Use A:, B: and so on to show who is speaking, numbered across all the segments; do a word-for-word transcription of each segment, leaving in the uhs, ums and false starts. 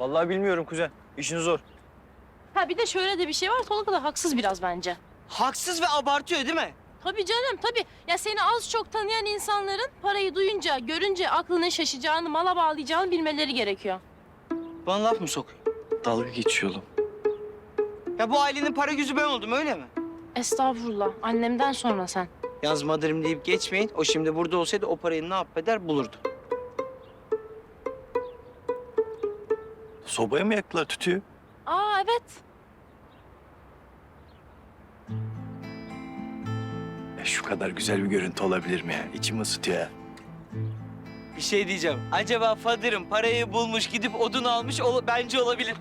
A: Vallahi bilmiyorum kuzen. İşin zor.
B: Ha bir de şöyle de bir şey var. Tolga da haksız biraz bence.
C: Haksız ve abartıyor değil mi?
B: Tabii canım tabii. Ya seni az çok tanıyan insanların parayı duyunca, görünce aklının şaşacağını, mala bağlayacağını bilmeleri gerekiyor.
C: Bana laf mı sokuyor?
A: Dalga geçiyor oğlum.
C: Ya bu ailenin para yüzü ben oldum öyle mi?
B: Estağfurullah. Annemden sonra sen.
C: Yalnız madırım deyip geçmeyin. O şimdi burada olsaydı o parayı ne yapeder bulurdu.
A: Sobaya mı yaktılar tütüyü?
B: Aa evet.
A: Ya şu kadar güzel bir görüntü olabilir mi ya? İçimi ısıtıyor ya.
C: Bir şey diyeceğim. Acaba Fadırım parayı bulmuş gidip odun almış ol bence olabilir.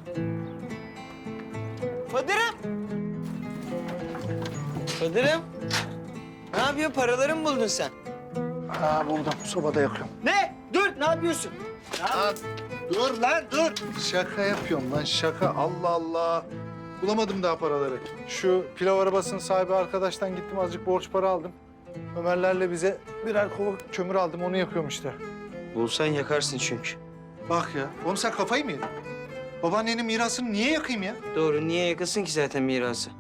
C: Fadırım! Fadırım! Ne yapıyorsun? Paraları mı buldun sen?
D: Ha buldum. Sobada yakıyorum.
C: Ne? Dur ne yapıyorsun?
D: Lan dur lan dur. Şaka yapıyorum lan şaka. Allah Allah. Bulamadım daha paraları. Şu pilav arabasının sahibi arkadaştan gittim azıcık borç para aldım. Ömerlerle bize birer kova kömür aldım onu yakıyorum işte.
C: Bulsan yakarsın çünkü.
D: Bak ya. Oğlum sen kafayı mı yedin? Babaannenin mirasını niye yakayım ya?
C: Doğru niye yakasın ki zaten mirası?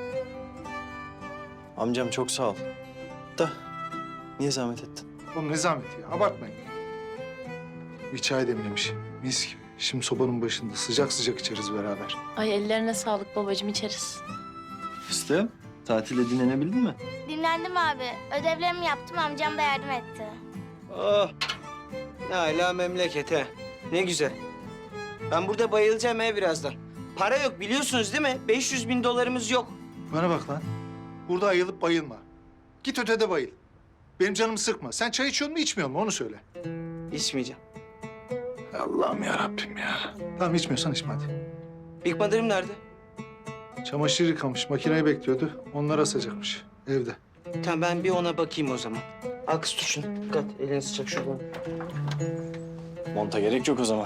A: Amcam çok sağ ol. Da niye zahmet ettin?
D: Oğlum ne zahmeti ya abartmayın. Bir çay demlemiş. Mis gibi. Şimdi sobanın başında sıcak sıcak içeriz beraber.
B: Ay ellerine sağlık babacığım, içeriz.
A: Fıstığım, tatilde dinlenebildin mi?
E: Dinlendim abi. Ödevlerimi yaptım, amcam da yardım etti.
C: Oh! Ne hala memleket he. Ne güzel. Ben burada bayılacağım he birazdan. Para yok biliyorsunuz değil mi? beş yüz bin dolarımız yok.
D: Bana bak lan. Burada ayılıp bayılma. Git ötede bayıl. Benim canımı sıkma. Sen çay içiyor mu içmiyor mu onu söyle.
C: İçmeyeceğim.
D: Allah'ım ya Rabbim ya. Tamam içmiyorsan içme hadi.
C: Big Mother'ım nerede?
D: Çamaşır yıkamış, makineyi bekliyordu. Onları asacakmış evde.
C: Tamam ben bir ona bakayım o zaman. Al kız tut şunu. Dikkat elini sıcak şuradan.
A: Monta gerek yok o zaman.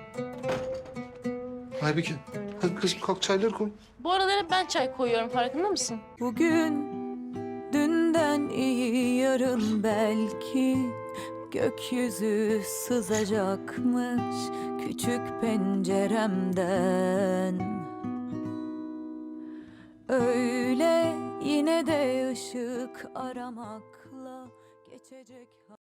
D: Aybike, hadi kızım kalk çayları koy.
B: Bu aralar hep ben çay koyuyorum, farkında mısın?
F: Bugün dünden iyi yarın belki gökyüzü sızacakmış küçük penceremden. Öyle yine de ışık aramakla geçecek.